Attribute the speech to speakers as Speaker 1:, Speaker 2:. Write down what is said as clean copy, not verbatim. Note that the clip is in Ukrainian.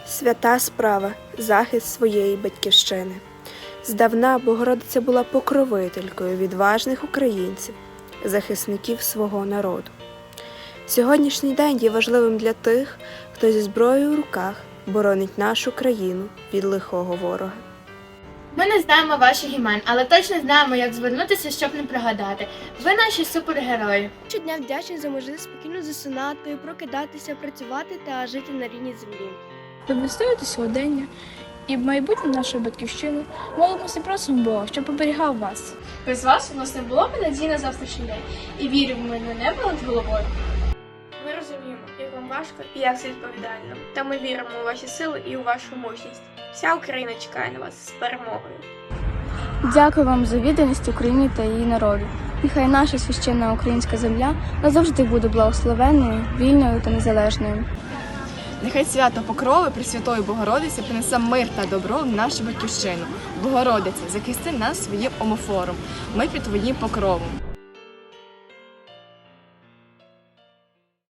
Speaker 1: Свята справа – захист своєї батьківщини. Здавна Богородиця була покровителькою відважних українців, захисників свого народу. Сьогоднішній день є важливим для тих, хто зі зброєю в руках боронить нашу країну від лихого ворога.
Speaker 2: Ми не знаємо ваших імен, але точно знаємо, як звернутися, щоб не пригадати. Ви наші супергерої.
Speaker 3: Щодня вдячні за можливість спокійно засинати, прокидатися, працювати та жити на рідній землі.
Speaker 4: Ви відстоюєте сьогодення і в майбутнє нашої батьківщини молимося і просимо Бога, щоб оберігав вас.
Speaker 2: Без вас у нас не було б надії на завтрашній день. І віримо ми на небо над головою.
Speaker 5: Ми розуміємо, як вам важко і як це відповідально. Та ми віримо у ваші сили і у вашу мужність. Вся Україна чекає на вас з перемогою.
Speaker 4: Дякую вам за відданість Україні та її народу. Нехай наша священна українська земля назавжди буде благословенною, вільною та незалежною.
Speaker 6: Нехай свято Покрови Пресвятої Богородиці принесе мир та добро в нашу батьківщину. Богородиця, захисти нас своїм омофором. Ми під твоїм покровом.